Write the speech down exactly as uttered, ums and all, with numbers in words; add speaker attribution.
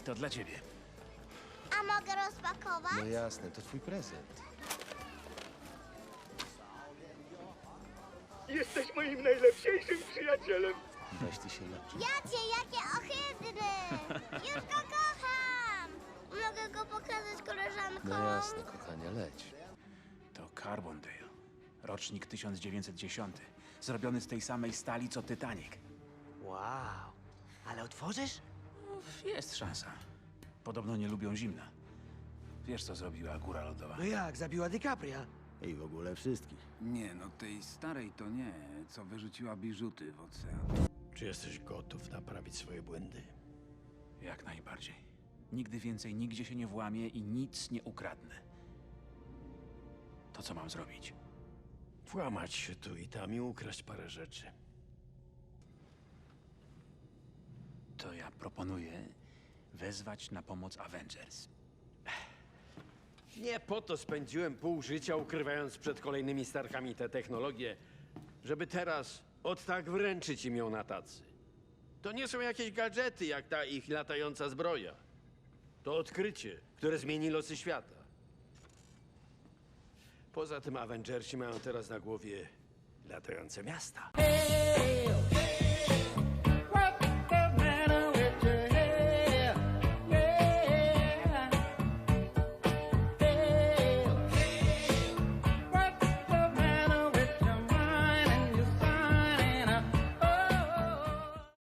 Speaker 1: To dla ciebie.
Speaker 2: A mogę rozpakować?
Speaker 3: No jasne, to twój prezent.
Speaker 4: Jesteś moim najlepszym przyjacielem.
Speaker 3: Weź ty się lecz.
Speaker 2: Jacie, jakie ohydny! Już go kocham! Mogę go pokazać koleżankom?
Speaker 3: No jasne, kochanie, leć.
Speaker 1: To Carbondale. Rocznik tysiąc dziewięćset dziesiąty. Zrobiony z tej samej stali co Titanic.
Speaker 5: Wow. Ale otworzysz?
Speaker 1: Jest szansa. Podobno nie lubią zimna. Wiesz, co zrobiła góra lodowa?
Speaker 5: No jak, zabiła DiCapria?
Speaker 6: I w ogóle wszystkich.
Speaker 7: Nie, no tej starej to nie, co wyrzuciła biżuty w ocean.
Speaker 6: Czy jesteś gotów naprawić swoje błędy?
Speaker 1: Jak najbardziej. Nigdy więcej nigdzie się nie włamię i nic nie ukradnę. To co mam zrobić?
Speaker 6: Włamać się tu i tam i ukraść parę rzeczy.
Speaker 1: To ja proponuję wezwać na pomoc Avengers.
Speaker 8: Nie po to spędziłem pół życia ukrywając przed kolejnymi starkami tę technologię, żeby teraz od tak wręczyć im ją na tacy. To nie są jakieś gadżety jak ta ich latająca zbroja. To odkrycie, które zmieni losy świata. Poza tym Avengersi mają teraz na głowie latające miasta.
Speaker 5: Hey, hey.